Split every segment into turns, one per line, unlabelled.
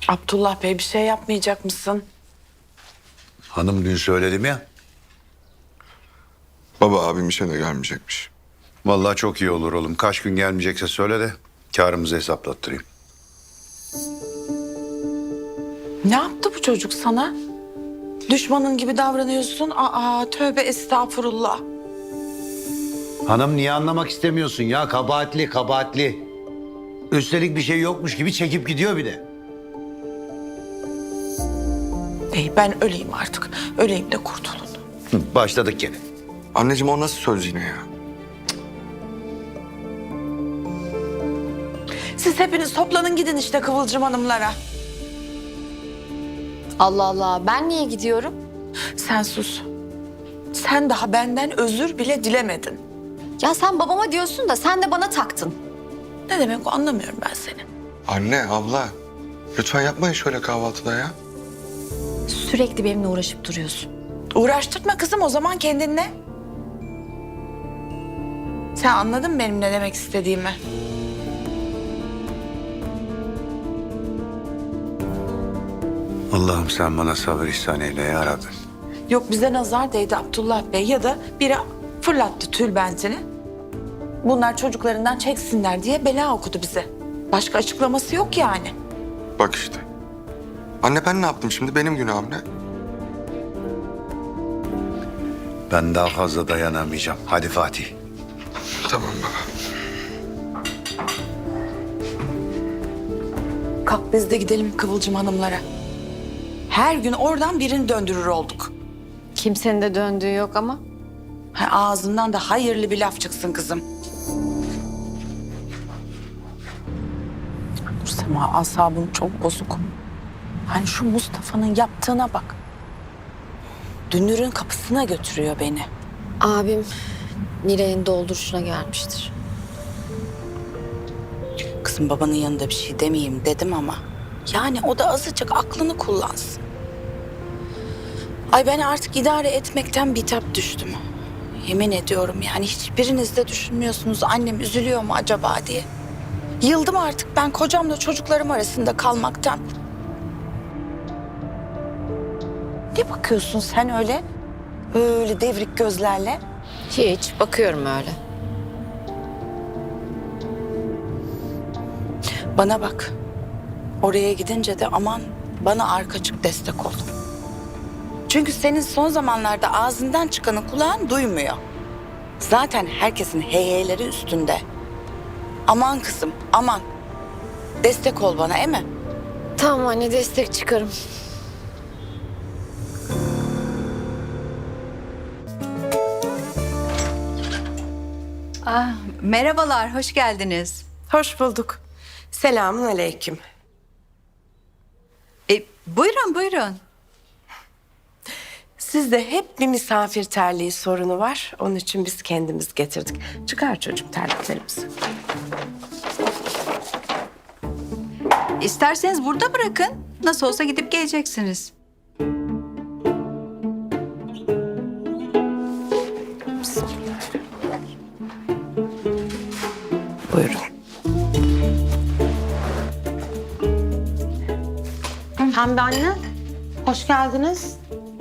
Abdullah Bey bir şey yapmayacak mısın?
Hanım dün söyledim ya.
Baba abim işe de gelmeyecekmiş.
Vallahi çok iyi olur oğlum. Kaç gün gelmeyecekse söyle de karımızı hesaplattırayım.
Ne yaptı bu çocuk sana? Düşmanın gibi davranıyorsun. Aa tövbe estağfurullah.
Hanım niye anlamak istemiyorsun ya? Kabahatli, kabahatli. Üstelik bir şey yokmuş gibi çekip gidiyor bir de.
İyi ben öleyim artık. Öleyim de kurtulun.
Başladık gene.
Anneciğim o nasıl söz yine ya?
Siz hepiniz toplanın gidin işte Kıvılcım Hanımlara.
Allah Allah, ben niye gidiyorum?
Sen sus. Sen daha benden özür bile dilemedin.
Ya sen babama diyorsun da sen de bana taktın.
Ne demek o anlamıyorum ben seni.
Anne, abla. Lütfen yapmayın şöyle kahvaltıda ya.
Sürekli benimle uğraşıp duruyorsun.
Uğraştırma kızım o zaman kendinle. Sen anladın mı benim ne demek istediğimi?
Allah'ım sen bana sabır ihsan eyle ya Rabbi.
Yok bize nazar değdi Abdullah Bey ya da biri fırlattı tülbentini. Bunlar çocuklarından çeksinler diye bela okudu bize. Başka açıklaması yok yani.
Bak işte. Anne ben ne yaptım şimdi? Benim günahım ne?
Ben daha fazla dayanamayacağım. Hadi Fatih.
Tamam baba.
Kalk biz de gidelim Kıvılcım Hanımlara. Her gün oradan birini döndürür olduk.
Kimsenin de döndüğü yok ama.
Ağzından da hayırlı bir laf çıksın kızım. Nursema asabım çok bozuk. Hani şu Mustafa'nın yaptığına bak. Dünür'ün kapısına götürüyor beni.
Abim Nilay'ın dolduruşuna gelmiştir.
Kızım babanın yanında bir şey demeyeyim dedim ama. Yani o da azıcık aklını kullansın. Ay ben artık idare etmekten bitap düştüm. Yemin ediyorum yani hiçbiriniz de düşünmüyorsunuz annem üzülüyor mu acaba diye. Yıldım artık ben kocamla çocuklarım arasında kalmaktan. Ne bakıyorsun sen öyle? Öyle devrik gözlerle.
Hiç, bakıyorum öyle.
Bana bak. Oraya gidince de aman bana arkacık destek ol. Çünkü senin son zamanlarda ağzından çıkanı kulağın duymuyor. Zaten herkesin heyheyleri üstünde. Aman kızım, aman. Destek ol bana, değil mi?
Tamam anne, destek çıkarım.
Merhabalar, hoş geldiniz.
Hoş bulduk. Selamun aleyküm.
Buyurun, buyurun.
Sizde hep bir misafir terliği sorunu var. Onun için biz kendimiz getirdik. Çıkar çocuğum terliklerimizi.
İsterseniz burada bırakın. Nasıl olsa gidip geleceksiniz.
Buyurun.
Pembe anne, hoş geldiniz.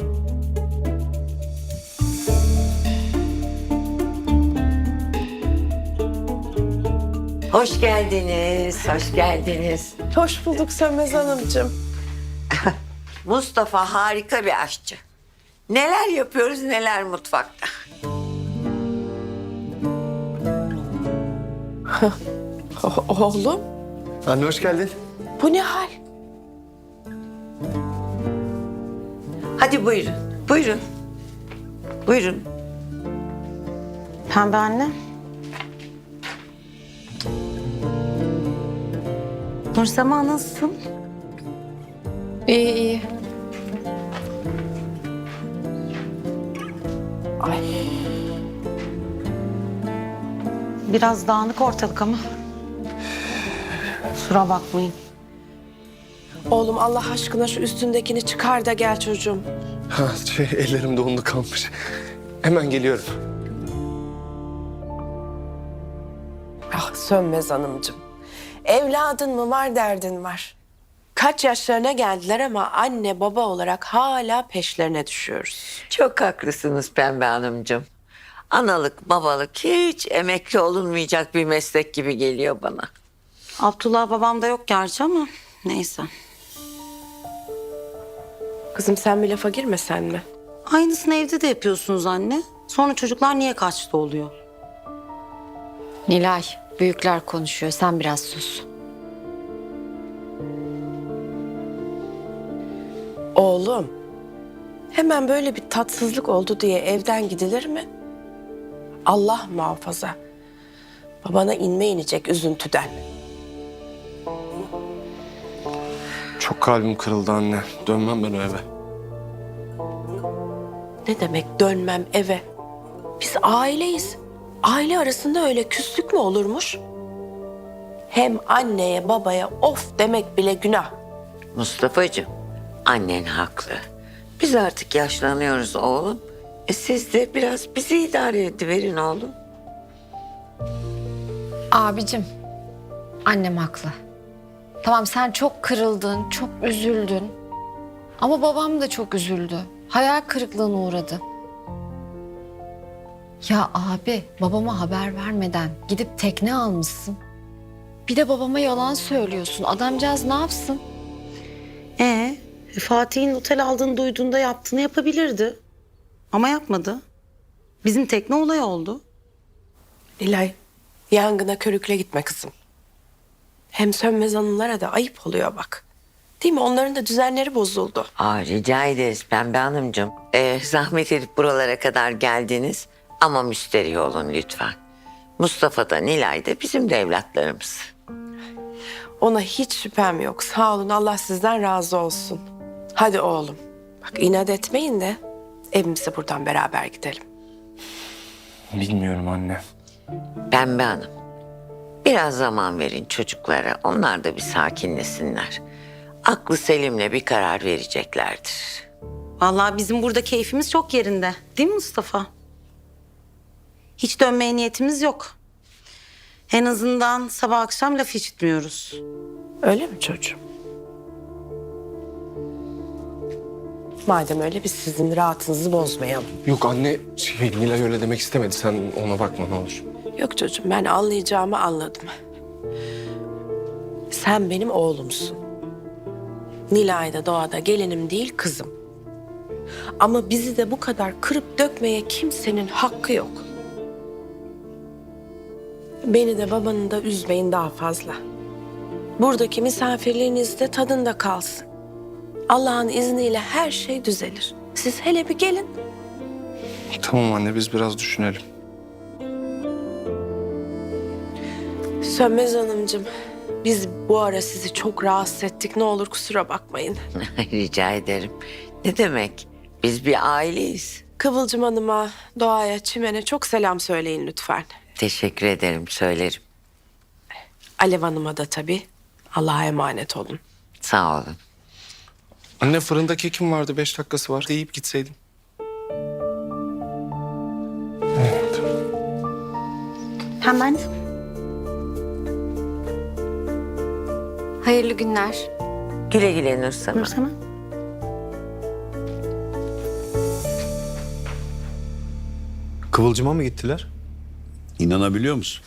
Hoş geldiniz, hoş geldiniz.
Hoş bulduk Sönmez Hanımcığım.
Mustafa harika bir aşçı. Neler yapıyoruz neler mutfakta.
Oğlum
Anne hoş geldin.
bu ne hal?
Hadi buyurun, buyurun. Buyurun.
Pembe anne.
Nursema nasılsın?
İyi iyi.
Biraz dağınık ortalık ama. Kusura bakmayın.
Oğlum Allah aşkına şu üstündekini çıkar da gel çocuğum.
Ha, ellerim dondu kalmış. Hemen geliyorum.
Ah Sönmez Hanımcığım. Evladın mı var derdin var. Kaç yaşlarına geldiler ama anne baba olarak hala peşlerine düşüyoruz.
Çok haklısınız Pembe Hanımcığım. Analık babalık hiç emekli olunmayacak bir meslek gibi geliyor bana.
Abdullah babam da yok gerçi ama neyse.
Kızım sen bir lafa girmesen mi?
Aynısını evde de yapıyorsunuz anne. Sonra çocuklar niye kaçtı oluyor?
Nilay, büyükler konuşuyor. Sen biraz sus.
Oğlum, hemen böyle bir tatsızlık oldu diye evden gidilir mi? Allah muhafaza. Babana inme inecek üzüntüden.
Çok kalbim kırıldı anne. Dönmem ben o eve.
Ne demek dönmem eve? Biz aileyiz. Aile arasında öyle küslük mü olurmuş? Hem anneye babaya of demek bile günah.
Mustafa'cığım, annen haklı. Biz artık yaşlanıyoruz oğlum. Siz de biraz bizi idare ediverin oğlum.
Abicim, annem haklı. Tamam sen çok kırıldın, çok üzüldün. Ama babam da çok üzüldü. Hayal kırıklığına uğradı. Ya abi, babama haber vermeden gidip tekne almışsın. Bir de babama yalan söylüyorsun. Adamcağız ne yapsın?
Fatih'in otel aldığını duyduğunda yaptığını yapabilirdi. Ama yapmadı. Bizim tekne olay oldu.
Nilay, yangına körükle gitme kızım. Hem Sönmez Hanımlara da ayıp oluyor bak. Değil mi? Onların da düzenleri bozuldu.
Rica ederiz Pembe Hanımcığım. Zahmet edip buralara kadar geldiniz. Ama müsterih olun lütfen. Mustafa da Nilay da bizim de evlatlarımız.
Ona hiç şüphem yok. Sağ olun, Allah sizden razı olsun. Hadi oğlum. Bak inat etmeyin de evimize buradan beraber gidelim.
Bilmiyorum anne.
Pembe Hanım, biraz zaman verin çocuklara. Onlar da bir sakinlesinler. Aklı selimle bir karar vereceklerdir.
Vallahi bizim burada keyfimiz çok yerinde. Değil mi Mustafa? Hiç dönmeye niyetimiz yok. En azından sabah akşam laf işitmiyoruz.
Öyle mi çocuğum? Madem öyle biz sizin rahatınızı bozmayalım.
Yok anne, Nilay öyle demek istemedi. Sen ona bakma ne olur.
Yok çocuğum, ben anlayacağımı anladım. Sen benim oğlumsun. Nilay da doğada gelinim değil kızım. Ama bizi de bu kadar kırıp dökmeye kimsenin hakkı yok. Beni de babanı da üzmeyin daha fazla. Buradaki misafirliğiniz de tadında kalsın. Allah'ın izniyle her şey düzelir. Siz hele bir gelin.
Tamam anne, biz biraz düşünelim.
Sönmez Hanımcığım, biz bu ara sizi çok rahatsız ettik. Ne olur kusura bakmayın.
Rica ederim. Ne demek? Biz bir aileyiz.
Kıvılcım Hanım'a, Doğa'ya, Çimen'e çok selam söyleyin lütfen.
Teşekkür ederim, söylerim.
Alev Hanım'a da tabii. Allah'a emanet olun.
Sağ olun.
Anne fırında kekim vardı, 5 dakikası var. Deyip gitseydim. Evet.
Hemen.
Hayırlı günler.
Güle güle Nursema.
Nursema.
Kıvılcım'a mı gittiler?
İnanabiliyor musun?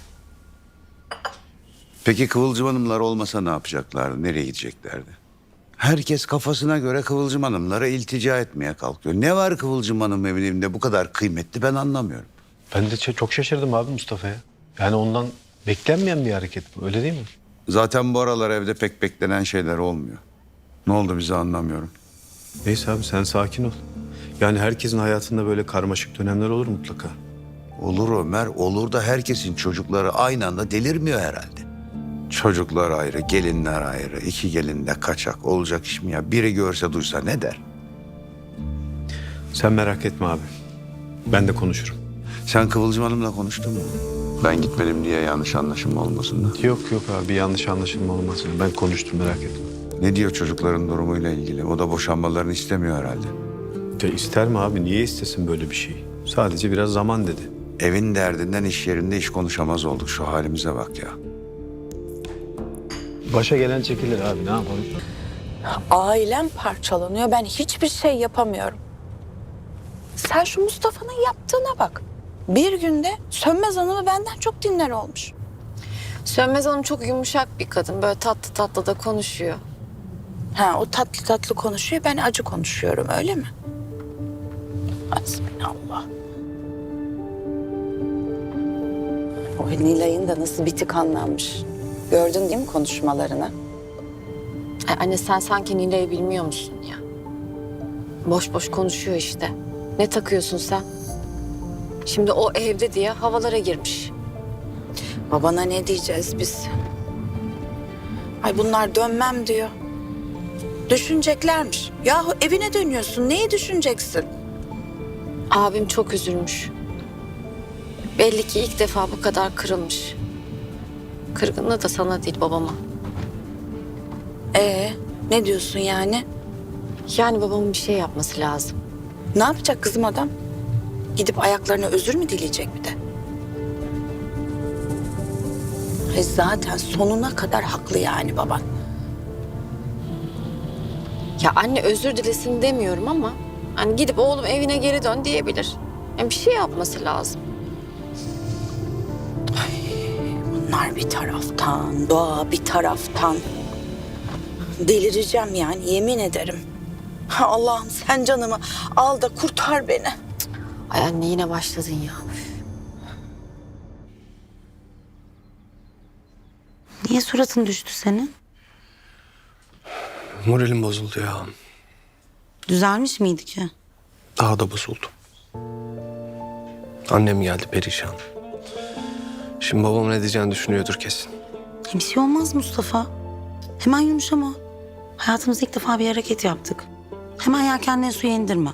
Peki Kıvılcım Hanımlar olmasa ne yapacaklardı? Nereye gideceklerdi? Herkes kafasına göre Kıvılcım Hanımlara iltica etmeye kalkıyor. Ne var Kıvılcım Hanım evinde bu kadar kıymetli ben anlamıyorum.
Ben de çok şaşırdım abi Mustafa'ya. Yani ondan beklenmeyen bir hareket bu, öyle değil mi?
Zaten bu aralar evde pek beklenen şeyler olmuyor. Ne oldu bize anlamıyorum.
Neyse abi sen sakin ol. Yani herkesin hayatında böyle karmaşık dönemler olur mutlaka.
Olur Ömer, olur da herkesin çocukları aynı anda delirmiyor herhalde. Çocuklar ayrı, gelinler ayrı, iki gelin de kaçak olacak iş mi ya? Biri görse duysa ne der?
Sen merak etme abi. Ben de konuşurum.
Sen Kıvılcım Hanım'la konuştun mu? Ben gitmedim diye yanlış anlaşılma olmasın da.
Yok abi yanlış anlaşılma olmasın. Ben konuştum merak etme.
Ne diyor çocukların durumuyla ilgili? O da boşanmalarını istemiyor herhalde.
De ister mi abi? Niye istesin böyle bir şeyi? Sadece biraz zaman dedi.
Evin derdinden iş yerinde iş konuşamaz olduk. Şu halimize bak ya.
Başa gelen çekilir abi ne yapalım?
Ailem parçalanıyor. Ben hiçbir şey yapamıyorum. Sen şu Mustafa'nın yaptığına bak. Bir günde Sönmez Hanım'ı benden çok dinler olmuş.
Sönmez Hanım çok yumuşak bir kadın. Böyle tatlı tatlı da konuşuyor.
Ha, o tatlı tatlı konuşuyor, ben acı konuşuyorum, öyle mi? Hasbinallah. O Nilay'ın da nasıl bitik anlanmış. Gördün değil mi konuşmalarını?
Ay anne sen sanki Nilay'ı bilmiyor musun ya? Boş boş konuşuyor işte. Ne takıyorsun sen? Şimdi o evde diye havalara girmiş.
Babana ne diyeceğiz biz? Ay bunlar dönmem diyor. Düşüneceklermiş. Yahu evine dönüyorsun, neyi düşüneceksin?
Abim çok üzülmüş. Belli ki ilk defa bu kadar kırılmış. Kırgınlığı da sana değil babama.
Ne diyorsun yani?
Yani babamın bir şey yapması lazım.
Ne yapacak kızım adam? Gidip ayaklarına özür mü dileyecek bir de? Zaten sonuna kadar haklı yani baban.
Ya anne özür dilesin demiyorum ama hani gidip oğlum evine geri dön diyebilir. Yani bir şey yapması lazım.
Bunlar bir taraftan, doğa bir taraftan. Delireceğim yani, yemin ederim. Allah'ım sen canımı al da kurtar beni.
Ay anne yine başladın ya.
Niye suratın düştü senin?
Moralim bozuldu ya.
Düzelmiş miydi ki?
Daha da bozuldu. Annem geldi perişan. Şimdi babam ne diyeceğini düşünüyordur kesin.
Bir şey olmaz Mustafa. Hemen yumuşama. Hayatımızda ilk defa bir hareket yaptık. Hemen yelkenleri suya indirme.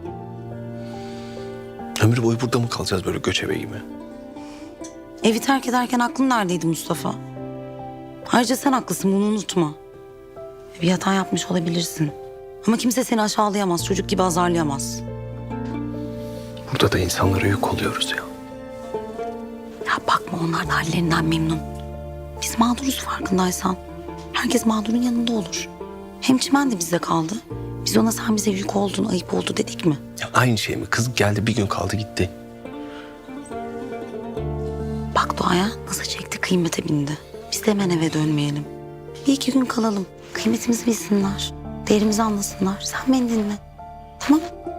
Ömür boyu burada mı kalacağız böyle göçebe gibi?
Evi terk ederken aklın neredeydi Mustafa? Ayrıca sen haklısın, bunu unutma. Bir hata yapmış olabilirsin. Ama kimse seni aşağılayamaz, çocuk gibi azarlayamaz.
Burada da insanlara yük oluyoruz ya.
Ya bakma, onlar da hallerinden memnun. Biz mağduruz farkındaysan. Herkes mağdurun yanında olur. Hem Çimen de bizde kaldı. Biz ona sen bize yük oldun, ayıp oldu dedik mi?
Ya aynı şey mi? Kız geldi bir gün kaldı gitti.
Bak Doğa'ya nasıl çekti, kıymete bindi. Biz de hemen eve dönmeyelim. Bir iki gün kalalım. Kıymetimizi bilsinler. Değerimizi anlasınlar. Sen beni dinle. Tamam.